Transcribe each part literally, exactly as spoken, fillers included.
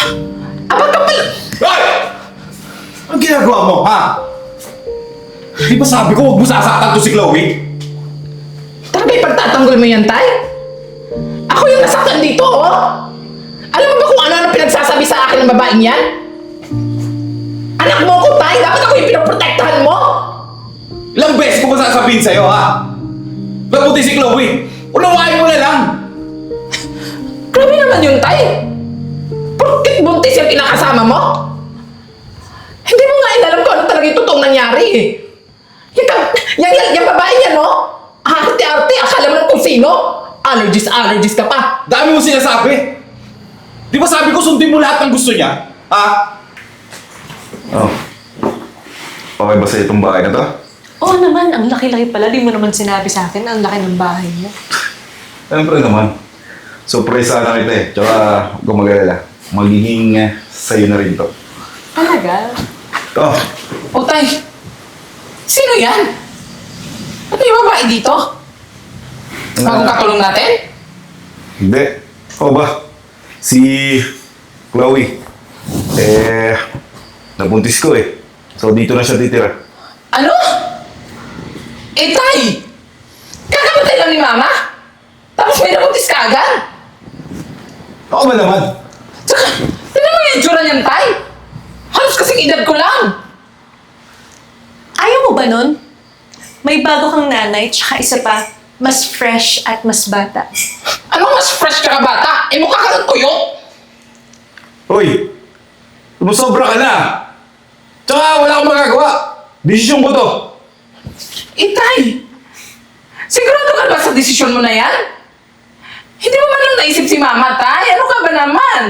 Aba ka pala! Hoy! Ang ginagawa mo, ha? Di ba sabi ko huwag mo sasaktan to si Chloe? Talaga ipagtatanggol mo yan, Tay? Ako yung nasaktan dito, oh! Alam mo ba kung ano-ano pinagsasabi sa akin ng babaeng yan? Anak mo ko, Tay! Dapat ako yung pinoprotektahan mo! Ilang beses ko ba sasabihin sa'yo, ha? Nabuti si Chloe! Unawain mo na lang! Grabe naman yun, Tay! Porkit buntis yung kinakasama mo? Hindi mo nga inalam kung ano talaga yung totoong nangyari, eh. Yung, yung, yung, yung babae yan, no? Arte-arte, akala mo lang kung sino? Allergies, allergies ka pa. Dami mo sinasabi! Di ba sabi ko sundin mo lahat ng gusto niya? Ha? Oh. Okay ba sa itong bahay na to? Oo naman, ang laki-laki pala. Di mo naman sinabi sa akin, ang laki ng bahay mo. Siyempre naman. Surprise sana kita eh. Tsaka gumagalala. Magiging uh, sa'yo na rin to. Talaga? Ito. O, Tay, sino yan? Ano yung babae dito? Bagong katulong natin? Hindi. O ba? Si Chloe. Eh, nabuntis ko eh. So dito na siya titira. Ano? Eh, Tay! Kakamatay lang ni Mama? Tapos may nabuntis ka agad? Ako ba naman? Tsaka, tignan mo yung itsura niyan, Tay! Halos kasing edad ko lang! Ayaw mo ba nun? May bago kang nanay, tsaka isa pa, mas fresh at mas bata. Ano mas fresh ka bata? Eh, mukha ka ng tuyo? Hoy! Sumusobra ka na! Tsaka wala akong magagawa! Desisyon ko to! Eh, Tay! Sigurado ka ba sa desisyon mo na yan? Hindi mo man lang naisip si Mama, Tay. Ano ka ba naman?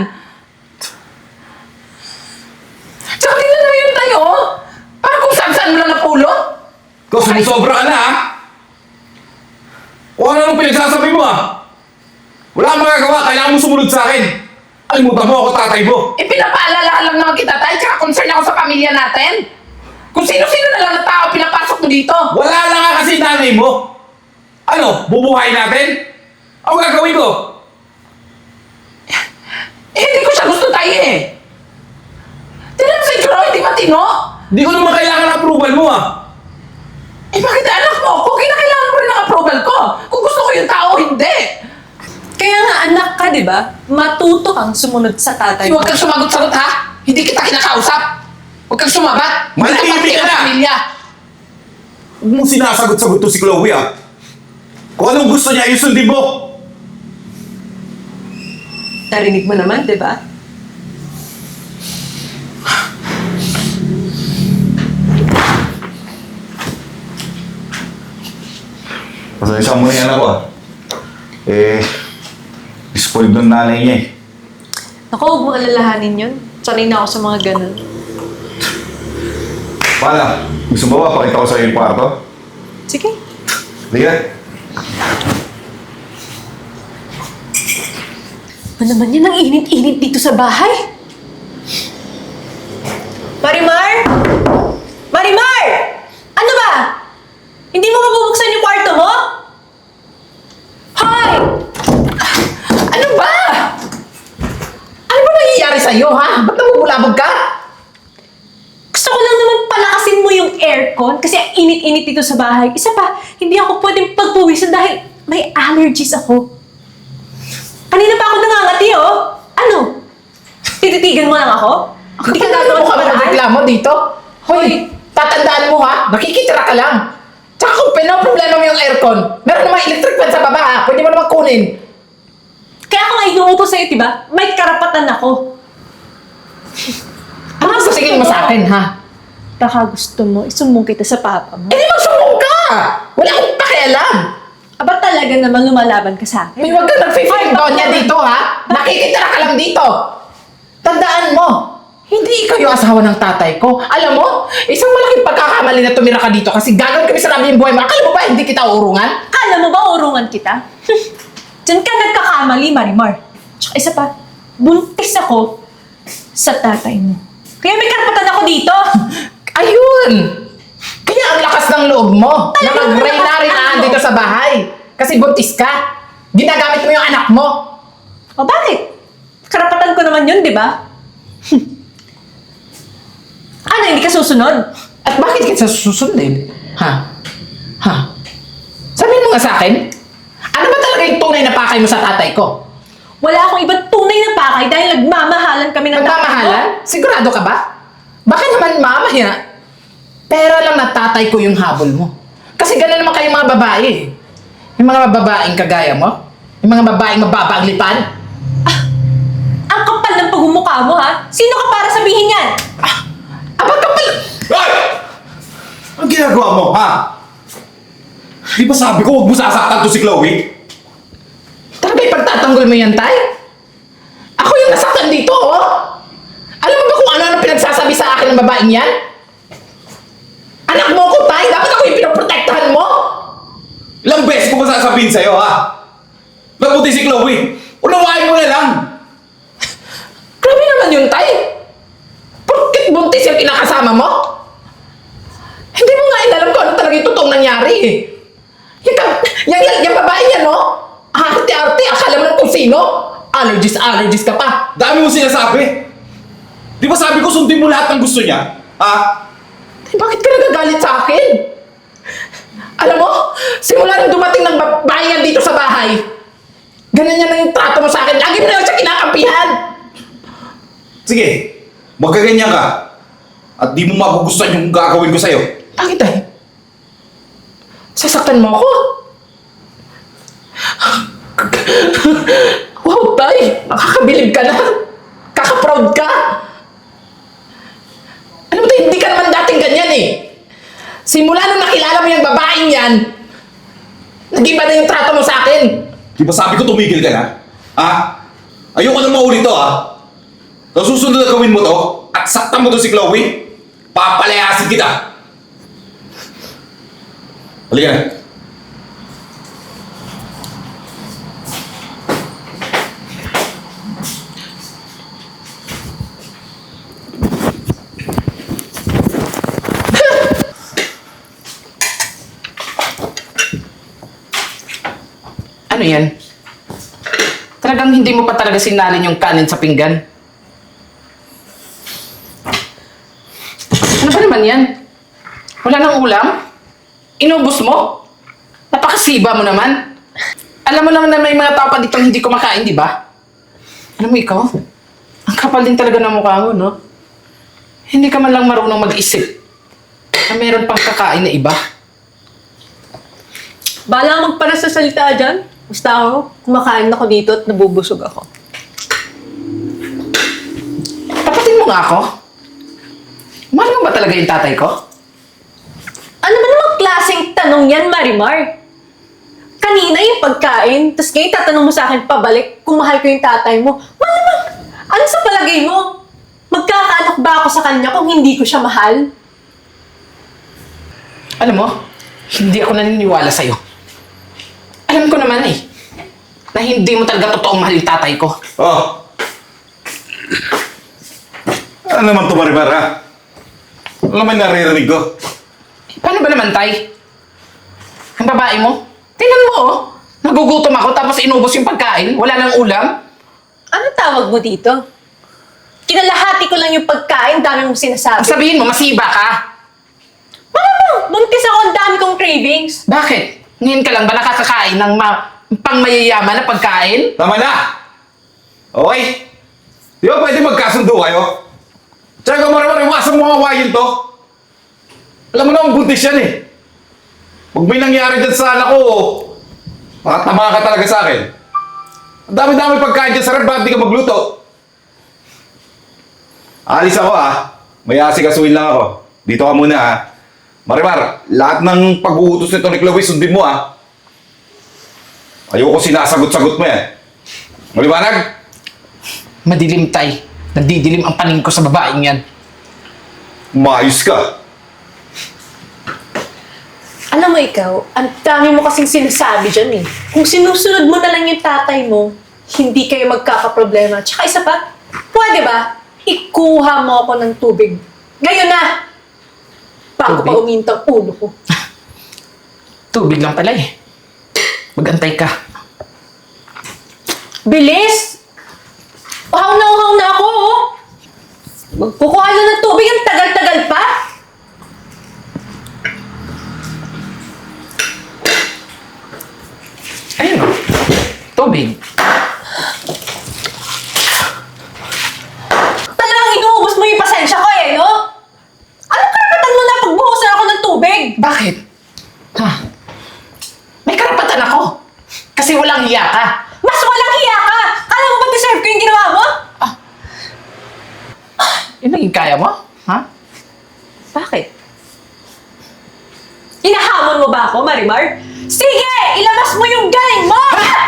Tsaka tingnan mo yun, Tay, oh. Parang kung saan-saan mo lang napulot. Ikaw, sumusobra ka na, ha? O ano nung pinagsasabi mo, ha? Wala akong magagawa, kailangan mo sumunod sa akin. Alimutan mo ako, tatay mo. Eh, pinapaalala lang naman kita, Tay. Tsaka concern ako sa pamilya natin. Kung sino-sino na lang na tao pinapasok mo dito. Wala na nga kasi nanay mo. Ano, bubuhay natin? Ano gagawin ko? Eh, hindi ko siya gusto, Tay, eh. Tignan mo sa itsura, hindi matino. Hindi ko naman kailangan ng approval mo, ha? Eh, bakit anak mo? Kung kinakailangan ko rin ng approval ko. Kung gusto ko yung tao, hindi. Kaya nga anak ka, di ba? Matuto kang sumunod sa tatay Huwag kang sumagot-sagot, ha? Hindi kita kinakausap. Huwag kang sumabat. Manahimik ka na! Pamilya. Huwag mong sinasagot-sagot to si Chloe, ha? Kung anong gusto niya, yung sundin mo! Narinig mo naman, di ba? Pasensya mo na yan ako ah. Eh, spoiled ng nanay niya eh. Naku, huwag mo alalahanin yun. Sanay na ako sa mga ganun. Paano? Gusto mo ba pakita ko sa'yo yung kwarto? Sige. Liga. Ano naman yan? Ang init-init dito sa bahay. Marimar! Marimar! Ano ba? Hindi mo mabubuksan yung kwarto mo? Hoy! Ano ba? Ano ba nangyayari sa'yo, ha? Ba't namumulabog ka? Gusto ko lang naman palakasin mo yung aircon kasi ang init-init dito sa bahay. Isa pa, hindi ako pwedeng pagpuwisan dahil may allergies ako. Kanina pa ako nangangati, oh. Ano? Tititigan mo lang ako? Hindi ka Ano gagawa mo ng ka paraan? reklamo dito? Hoy, tatandaan mo, ha? Nakikitira ka lang. Tsaka kung pinoproblema mo yung aircon, meron namang electric fan sa baba, ha? Pwede mo naman kunin. Kaya ako nga inuutos sa'yo, diba? May karapatan ako. Ano ang sasabihin mo sa akin, ha? Baka gusto mo, isumbong kita sa papa mo. Eh, di magsumbong ka! Wala akong pakialam. Aba talaga naman lumalaban ka sa akin. May wag ka nag-fifteen doon niya dito, ha? Nakikitira ka lang dito. Tandaan mo, hindi ikaw yung asawa ng tatay ko. Alam mo, isang malaking pagkakamali na tumira ka dito kasi gagawin kami sa namin yung buhay mo. Akala mo ba hindi kita urungan? Kala mo ba urungan kita? Diyan ka nagkakamali, Marimar. Tsaka isa pa, buntis ako sa tatay mo. Kaya may karapatan ako dito. Ayun! Kaya ang lakas ng loob mo na Talagang mag-reinarinaan ano? dito sa bahay. Kasi buntis ka. Ginagamit mo yung anak mo. O bakit? Karapatan ko naman yun, di ba? Ano, hindi ka susunod? At bakit kita susundin? Ha? Ha? Sabihin mo nga sa akin, ano ba talaga yung tunay na pakay mo sa tatay ko? Wala akong ibang tunay na pakay dahil nagmamahalan kami ng tatay ko. Nagmamahalan? Sigurado ka ba? Baka naman mamaya, pera lang na tatay ko yung habol mo. Kasi gano'n naman kayong mga babae. Yung mga babaeng kagaya mo, yung mga babaeng mababa ang lipan. Ang kapal ng pagmumukha mo, ha? Sino ka para sabihin yan? Abang kapal! Hoy! Ang ginagawa mo, ha? Di ba sabi ko huwag mo sasaktan to si Chloe? Talaga ipagtatanggol mo yan, tay? Ako yung nasaktan dito, oh! Alam mo ba kung ano-ano pinagsasabi sa akin ng babaeng yan? Anak mo ko, tay! Dapat ako yung pinoprotektahan mo! Ilang beses ko ba sasabihin sa'yo, ha? Nabuti si Chloe. Unawain mo na lang. Grabe naman yun, tay! Porkit buntis yung kinakasama mo? Hindi mo nga inalam kung ano talaga yung totoong nangyari, eh. Yung, ka- yung, yung, yung babae yan, no? Arte-arte, akala mo lang kung sino? Allergies, allergies ka pa. Dami mo sinasabi. Di ba sabi ko sundin mo lahat ng gusto niya? Ha? Eh, bakit ka nagagalit sa akin? Alam mo, simula nung dumating ng babae yan dito sa bahay, ganun yan ang yung trato mo sa akin. Lagi mo na lang siya kinakampihan. Sige, magkaganyan ka. At di mo magugustuhan yung gagawin ko sa'yo. Bakit tay? Sasaktan mo ako? Wow, tay! Nakakabilib ka na. Kaka-proud ka. Alam mo tay, hindi ka naman dating ganyan eh. Simula nung nakilala mo yung babaeng yan, nag-iba na yung trato mo sa akin. Di ba sabi ko tumigil ka na? Ha? Ayoko na maulit to, ha? Sa susunod na gawin mo to, at saktan mo to si Chloe, papalayasin kita. Halika na. Ano yan? Talagang hindi mo pa talaga sinalin yung kanin sa pinggan? Ano ba naman yan? Wala nang ulam? Inubos mo? Napakasiba mo naman. Alam mo naman na may mga tao pa ditong hindi kumakain, di ba? Alam mo ikaw, ang kapal din talaga ng mukha mo, no? Hindi ka man lang marunong mag-isip na meron pang kakain na iba. Bala magpara sa salita dyan. Basta ako, kumakain ako dito at nabubusog ako. Tapatin mo nga ako. Mahal mo ba talaga yung tatay ko? Ano ba namang klaseng tanong yan, Marimar? Kanina yung pagkain, tapos ngayon tatanong mo sa akin pabalik kung mahal ko yung tatay mo. Malamang, ano sa palagay mo? Magkakaanak ba ako sa kanya kung hindi ko siya mahal? Alam mo, hindi ako naniniwala sa'yo. Alam ko naman eh, na hindi mo talaga totoong mahal yung tatay ko. Oh. Ano naman to, Maribar, ha? Ano naman naririnig ko? Paano ba naman, tay? Ang babae mo? Tingnan mo oh, nagugutom ako tapos inubos yung pagkain, wala nang ulam. Ano tawag mo dito? Kinalahati ko lang yung pagkain, dami mong sinasabi. Sabihin mo, masiba ka. Malamang, buntis ako, ang dami kong cravings. Bakit? Ngayon ka lang ba nakakakain ng ma- pang mayayaman na pagkain? Tama na! Okay? Di ba pwede magkasundo kayo? Tsaka Maribar, iwasan mo nga awayin to. Alam mo naman, buntis yan eh. Pag may nangyari dyan sa anak ko, makatama ka talaga sa akin. Ang dami-dami pagkain dyan sa rep, bakit di ka magluto? Alis ako ah. May asikasuhin lang ako. Dito ka muna ah. Maribar, lahat ng pag-uutos nito ni Chloe, sundin mo ah. Ayoko sinasagot-sagot mo yan. Maliwanag? Madilim, tay. Nadidilim ang paningin ko sa babaeng yan. Maayos ka. Alam mo ikaw, ang dami mo kasing sinasabi dyan eh. Kung sinusunod mo na lang yung tatay mo, hindi kayo magkakaproblema. Tsaka isa pa, pwede ba, ikuha mo ako ng tubig. Ngayon na! Bago pa Tubig? umintang ulo ko. Tubig lang pala eh. Mag-antay ka. Bilis! Uhaw na uhaw na ako oh! Magkukuha na ng tubig, ang tagal-tagal pa. Ayun o. Tubig. Talagang inuubos mo yung pasensya ko eh, no? Anong karapatan mo na pagbuhusan ako ng tubig? Bakit? Ha? May karapatan ako. Kasi walang hiya ka. Mas walang hiya ka! Kala mo ba deserve ko yung ginawa mo? Yun ang kaya mo? Ha? Bakit? Hinahamon mo ba ako, Marimar? Sige! Ilabas mo yung galing mo!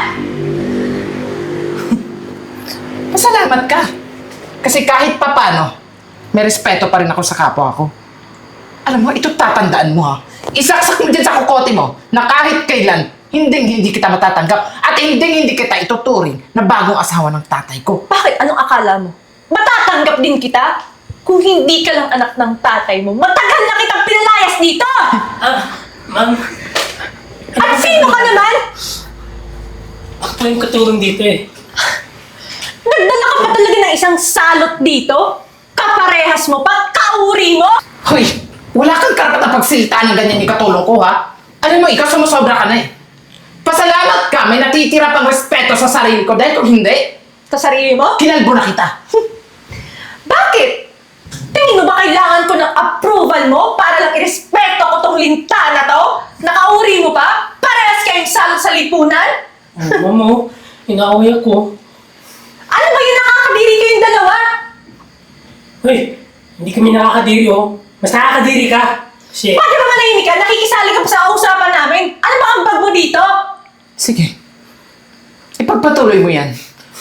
Pasalamat ka. Kasi kahit papano, may respeto pa rin ako sa kapwa ko. Alam mo, ito tatandaan mo ha. Isaksak mo dyan sa kukote mo na kahit kailan, hindi hindi kita matatanggap at hindi hindi kita ituturing na bagong asawa ng tatay ko. Bakit? Anong akala mo? Matatanggap din kita? Kung hindi ka lang anak ng tatay mo, matagal na kitang pinalayas dito! Ah, ma'am. At sino ka naman? Ako po yung katulong dito eh. Nagdala ka pa talaga ng isang salot dito? Kaparehas mo pa? Kauri mo? Hoy, wala kang karapatang pagsilita ng ganyan yung katulong ko ha. Alam mo, ikaw sumusobra ka na eh. Pasalamat ka, may natitira pang respeto sa sarili ko dahil kung hindi, Sa sarili mo? kinalbo na kita. Bakit? Tingin mo ba kailangan ko ng approval mo para lang irespeto ko tong linta na to? Nakauri mo pa? Parehas kayong salot sa lipunan? Oh, ma'am, oh. Inaaway ako. Ano ba yung nakakadiri kayong dalawa? Hoy, hindi kami nakakadiri, oh. Mas nakakadiri ka. Kasi, Pwede ba manahimik ka? Nakikisali ka pa sa usapan namin. Ano ba ang bag mo dito? Sige, ipagpatuloy mo yan.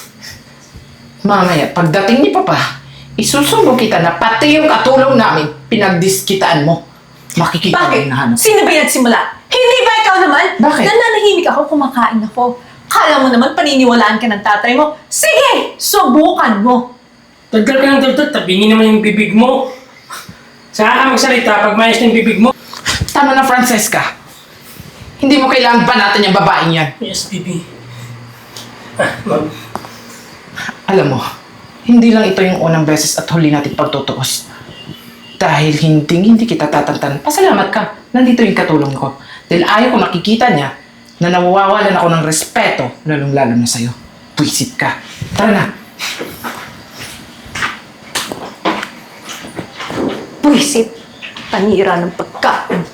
Mamaya, pagdating ni Papa, isusumbong kita na pati yung katulong namin, pinagdiskitaan mo. Makikita mo Bakit? yung nahanap. Sino ba yung nagsimula? Hindi ba ikaw naman? Bakit? Nananahimik ako, kumakain ako. Kala mo naman paniniwalaan ka ng tatay mo. Sige, subukan mo. dagdag ka ng dagdag, tabingin naman yung bibig mo. Saka ka magsalita pag mayos ng bibig mo. Tama na, Francesca. Hindi mo kailangan ba natin yung babaeng yan? Yes, baby. Ah, ma'am. Alam mo, hindi lang ito yung unang beses at huli natin pagtutuos. Dahil hindi hindi kita tatantan, pasalamat ka. Nandito yung katulong ko. Dahil ayaw ko nakikita niya na nawawalan ako ng respeto, lalong-lalo na sa'yo. Puisit ka. Tara na. Buisit. Panira ng pagkain.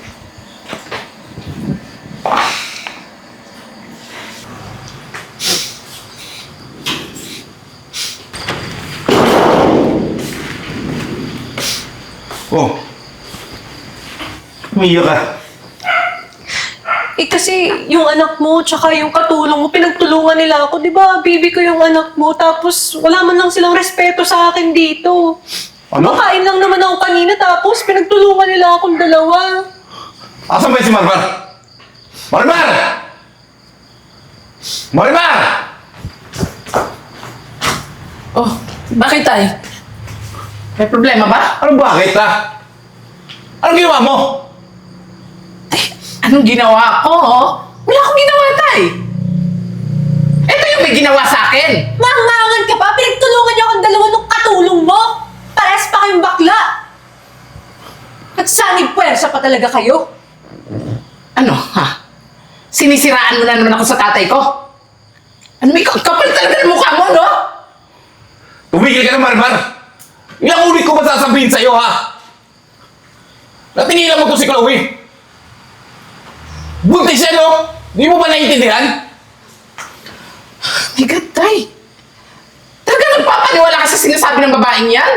Oh. Umiyak ka. Eh kasi yung anak mo tsaka yung katulong mo, pinagtulungan nila ako. Di ba, baby ko yung anak mo. Tapos wala man lang silang respeto sa akin dito. Ano? Makain lang naman ako kanina tapos pinagtulungan nila akong dalawa. Asan ba si Marmar? Marmar! Marmar! Oh, bakit tay? May problema ba? Ano bakit ha? Anong ginawa mo? Anong ginawa ko? oh? Wala akong ginawa, tay. Ito yung may ginawa sa akin. Mangangan ka pa? Pinagtulungan niyo akong dalawa nung katulong mo. Pares pa kayong bakla. Nagsanib puwersa pa talaga kayo. Ano, ha? Sinisiraan mo na naman ako sa tatay ko? Ano, may kapal talaga ng mukha mo, no? Tumigil ka na, Marmar! Ilang ulit ko ba sasabihin sa'yo, ha? Natingilan mo to si Chloe! Buntis siya, no? Di mo ba naiintindihan? My God, tay. Talaga nagpapaniwala ka sa sinasabi ng babaeng yan?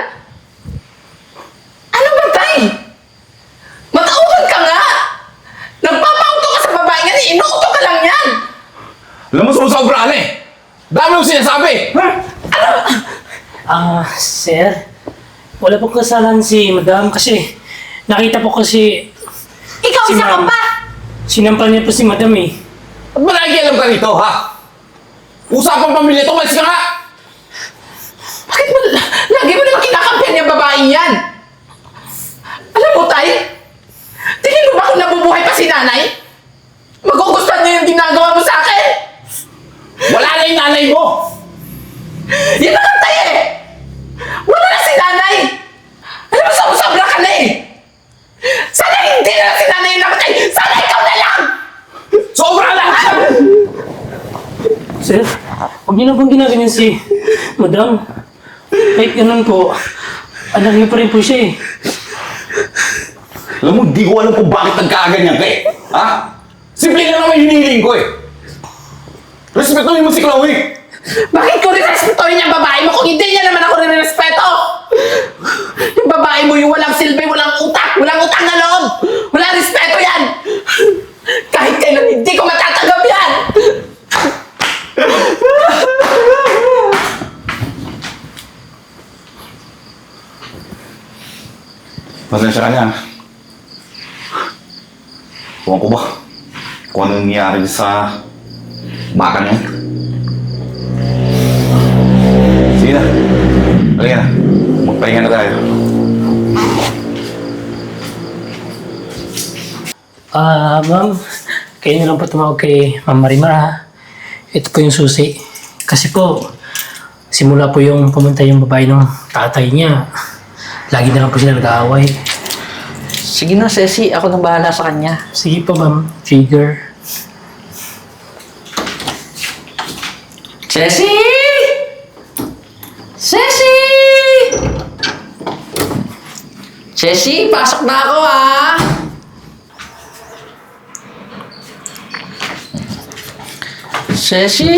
Ano ba, tay? Matauhan ka nga! Nagpapauto ka sa babaeng yan, inuuto ka lang yan! Alam mo, sumusobra ka na eh! Dami mo sinasabi! Ha? Ah, sir. Wala pong kasalanan si madam kasi nakita po kasi Ikaw Si isa ka ma'am. pa. sinampal niya po si madam eh. Ba't ba nakikialam ka rito, ha? Usapang pamilya to, malis ka nga! Bakit mo, lagi mo naman kinakampihan yung babaeng yan? Alam mo, tay? Tingin mo ba kung nabubuhay pa si nanay? Magugustuhan niya yung ginagawa mo sa akin? Wala na yung nanay mo! Yan na lang, tay eh! Wala na si nanay! Sir, huwag niyo na pong ginaganyan si Madam. Kahit ganun po, anak niyo pa rin po siya eh. Alam mo, di ko alam kung bakit nagkaaganyan ka eh. Ha? Simple lang naman hinihiling ko eh. Respetuhin mo si Chloe. Bakit ko rin-respetuhin yung babae mo kung hindi niya naman ako rin-respeto? Yung babae mo yung walang silbi, walang utak, walang utang na loob. Walang respeto yan. Kahit kailan hindi ko matatanggap yan. Pasensya ka na. Ewan ko ba kung anong nangyari sa baka niya. Sige na. Halika na. Magpahinga na tayo. Ah, ma'am, kayo na lang po tumawag kay Ma'am Marimar ha. Ito po yung susi. Kasi po, simula po yung pumunta yung babae ng tatay niya, lagi na lang po sila nag-aaway. Sige na, Ceci. Ako nang bahala sa kanya. Sige po, ma'am. Figure. Ceci! Ceci! Ceci, pasok na ako ah! Ceci!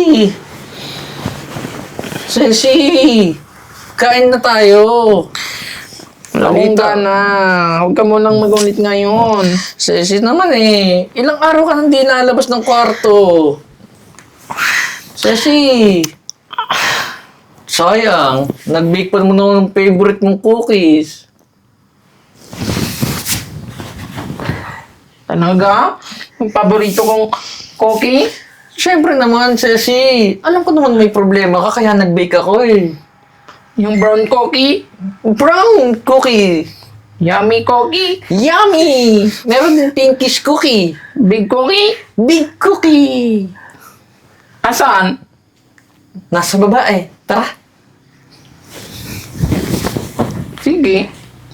Ceci! Kain na tayo! Walang gana. Huwag ka munang magunit ngayon. Ceci naman eh. Ilang araw ka nang di nalabas ng kwarto. Ceci! Sayang. Nag-bake pa naman ako ng favorite mong cookies. Talaga? Yung paborito kong cookie? Siyempre naman, Ceci. Alam ko naman may problema ka kaya nag-bake ako eh. Yung brown cookie? Brown cookie. Yummy cookie? Yummy! Meron din pinkish cookie. Big cookie? Big cookie. Asan? Nasa baba eh. Tara. Sige.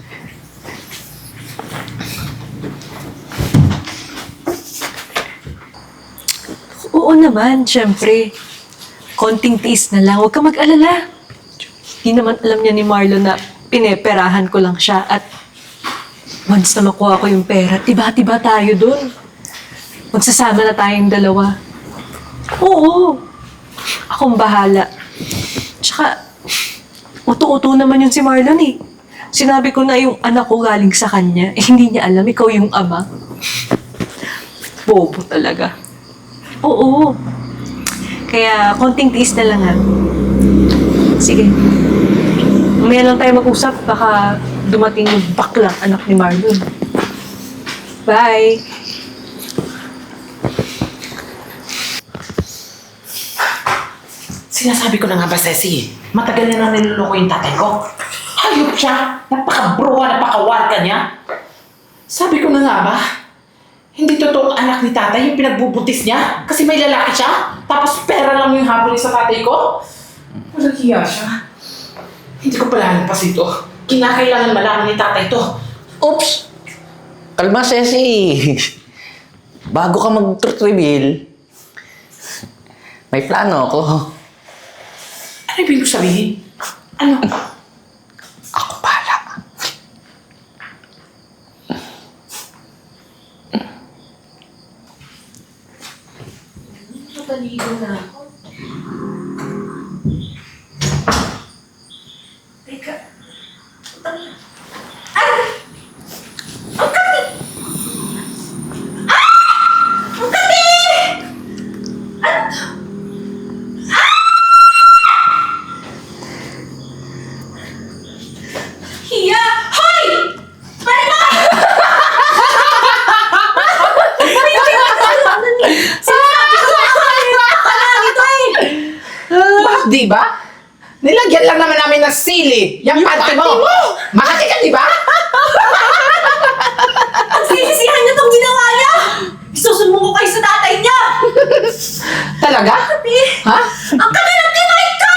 Oo naman, syempre. Konting tiis na lang. Huwag ka mag-alala. Hindi naman alam niya ni Marlon na pineperahan ko lang siya at once na makuha ko yung pera, tiba-tiba tayo dun. Magsasama na tayong dalawa. Oo. Akong bahala. Tsaka, uto-uto naman yun si Marlon eh. Sinabi ko na yung anak ko galing sa kanya. Eh, hindi niya alam, ikaw yung ama. Bobo talaga. Oo. Kaya, konting tiis na lang ha. Sige. Mamaya lang tayo mag-usap. Baka dumating yung baklang anak ni Marlon. Bye! Sinasabi ko na nga ba, Ceci? Matagal na nang niloloko yung tatay ko. Hayop siya. Napaka-bruha, napaka-warga niya. Sabi ko na nga ba? Hindi totoong anak ni tatay yung pinagbubuntis niya. Kasi may lalaki siya. Tapos pera lang yung habol sa tatay ko. Walang hiya siya. Hindi ko pala pa ito. Kinakailangan malaman ni tatay to. Oops! Kalma, Ceci. Bago ka mag-reveal, may plano ako. Ano ibig ko sabihin? Ano? Ako pala. Napaligo na ako. Teka. Ay! Ang kati! Ah! Ang kati! Ano to? Ah! Hiya! Hoy! Marima! Sinasabi ko na ako! Ako lang ito eh! Bakit di ba? Nilagyan lang naman namin ng sili. Yung panty mo. Makati ka, di ba? Ang sisisihan niyo itong ginawa niya! Isusumbong ko kayo sa tatay niya! Talaga? Kati! Ha? Ang kati ng tinay ka!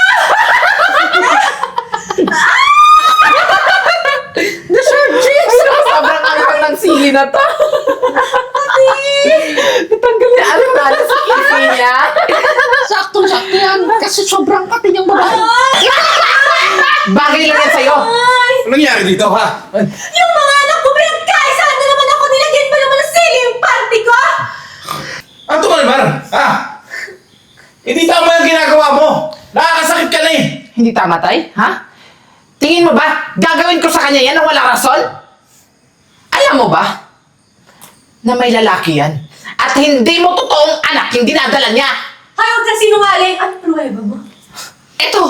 Deserve cheese! Sobrang anghang ng sili na to. Natanggal niya. Alam na, sa kisi niya. Sakto anak yan. Kasi sobrang pati niyang babae. Bagay lang yan sa'yo. Anong nangyari dito, ha? Yung mga anak ko, pinagkaisaan na naman ako, nilagyan pa naman ng sili yung party ko! Ano ba naman? Ha? Hindi tama yung ginagawa mo. Nakakasakit ka na eh. Hindi tama, tay? Ha? Tingin mo ba, gagawin ko sa kanya yan nang walang rason? Alam mo ba, na may lalaki yan at hindi mo totoong anak yung dinadala niya. Hay, huwag kang sinungaling! Ano pruweba mo? Eto.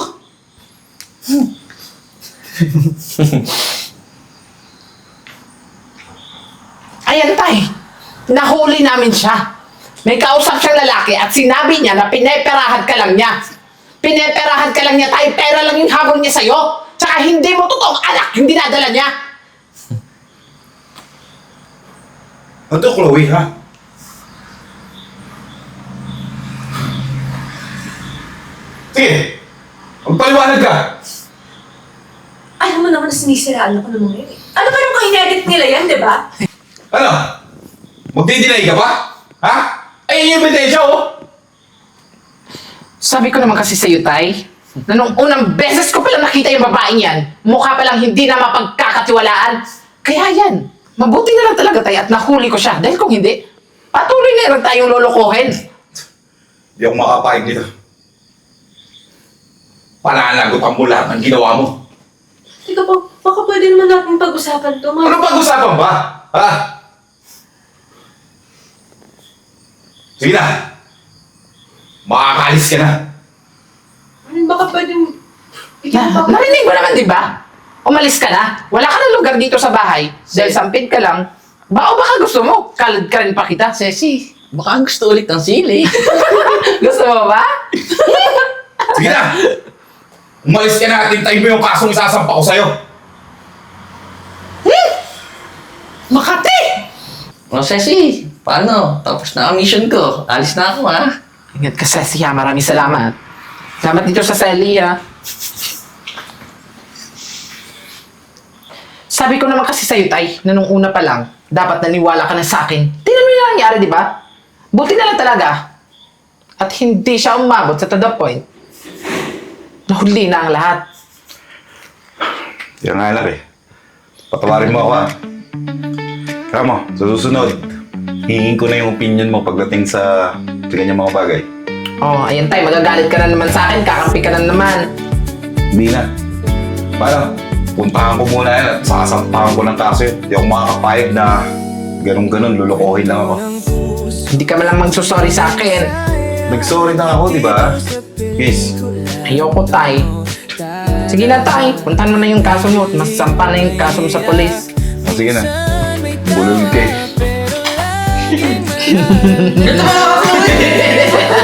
Ayan, tay. Nahuli namin siya. May kausap siyang lalaki at sinabi niya na pineperahan ka lang niya. Pineperahan ka lang niya, tay. Pera lang yung habol niya sa'yo. Tsaka hindi mo totoong anak yung dinadala niya. Ano to, Chloe, ha? Sige, magpaliwanag ka. Alam mo naman na sinisiraan ako ng mga yun eh. Ano ba naman in-edit nila yan, di ba? Ano? Magdi-deny ka pa? Ha? Ay, yung ebidensya, oh. Sabi ko naman kasi sa'yo, tay, na nung unang beses ko palang nakita yung babaeng yan, mukha palang hindi na mapagkakatiwalaan. Kaya yan, mabuti na lang talaga, tay, at nahuli ko siya. Dahil kung hindi, patuloy na lang tayong lolokohin. Hindi ako makapahig dito. Pananagutan mo lahat ng ginawa mo. Teka po, baka pwede naman natin pag-usapan to, Ano pag-usapan ba? Ha? Sige na. Makakalis ka na. Baka pwede... Na, narinig mo naman, di ba? Umalis ka na. Wala ka ng lugar dito sa bahay. Dahil sampid ka lang. Ba o baka gusto mo? Kalad ka rin pa kita, Ceci. Baka gusto ulit ng sili. Gusto mo ba? Sige na. Umalis ka na at hintayin mo yung kasong isasampa ko sa'yo. Makati! O, Ceci, paano? Tapos na ang mission ko. Alis na ako, ha? Ingat ka, Ceci, ha? Maraming salamat. Salamat dito sa Sally, ha? Sabi ko naman kasi sa'yo, tay, na nung una pa lang, dapat naniwala ka na sa akin. Tingnan mo yung nangyari, di ba? Buti na lang talaga. At hindi siya umabot sa to the point. Nahuli na ang lahat. Yan nga, anak eh. Patawarin mo ako, ha? Kaya mo, sa susunod, hingin ko na yung opinion mo pagdating sa, sa ganyang mga bagay. Oh, ayan tay, magagalit ka na naman sa akin, kakampi ka na naman. Hindi na. Paano? Puntahan ko muna yan at sasampahan ko ng kaso yun. Hindi ako makakapayag na ganun-ganun, lulukohin lang ako. Hindi ka man lang magsusorry sa akin. Nag-sorry na ako, di ba? Yes. Ayoko, tay. Sige na, tay. Puntahan mo na yung kaso mo at masasampa na yung kaso mo sa polis. O, sige na. Bulog ka eh. Ito ba ako?